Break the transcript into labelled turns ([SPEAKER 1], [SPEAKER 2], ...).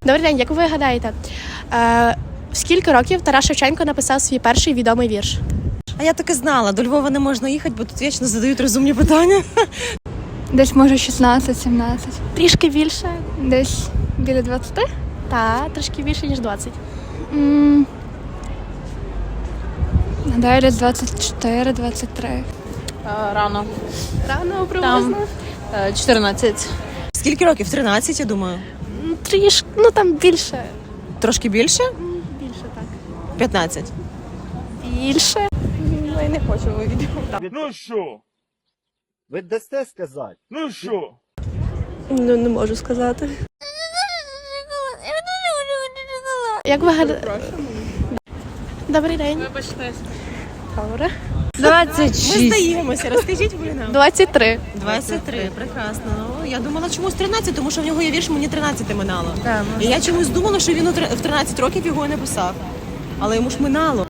[SPEAKER 1] Добрий день, як ви гадаєте, в скільки років Тарас Шевченко написав свій перший відомий вірш?
[SPEAKER 2] А я так і знала, до Львова не можна їхати, бо тут вічно задають розумні питання.
[SPEAKER 3] Десь, може, 16-17.
[SPEAKER 1] Трішки більше.
[SPEAKER 3] Десь біля 20?
[SPEAKER 1] Та, трошки більше, ніж 20.
[SPEAKER 3] Гадаю, десь 24-23.
[SPEAKER 4] Рано.
[SPEAKER 1] Рано, приблизно.
[SPEAKER 4] 14.
[SPEAKER 2] Скільки років? 13, я думаю.
[SPEAKER 1] Трішки, там більше.
[SPEAKER 2] Трошки більше?
[SPEAKER 1] Більше, так.
[SPEAKER 2] 15.
[SPEAKER 1] Більше.
[SPEAKER 2] Я не хочу вивідати.
[SPEAKER 5] Ну що?
[SPEAKER 6] Ви дасте сказати?
[SPEAKER 5] Ну що?
[SPEAKER 1] Не можу сказати. Як ви гадаєте? Добрий день.
[SPEAKER 4] Вибачте.
[SPEAKER 1] Добре.
[SPEAKER 2] 26. Ми здаємося, розкажіть ви нам.
[SPEAKER 1] 23.
[SPEAKER 2] 23, прекрасно. Ну, я думала чомусь 13, тому що в нього є вірш «Мені 13 минало». І я чомусь думала, що він в 13 років його не писав. Але йому ж минало.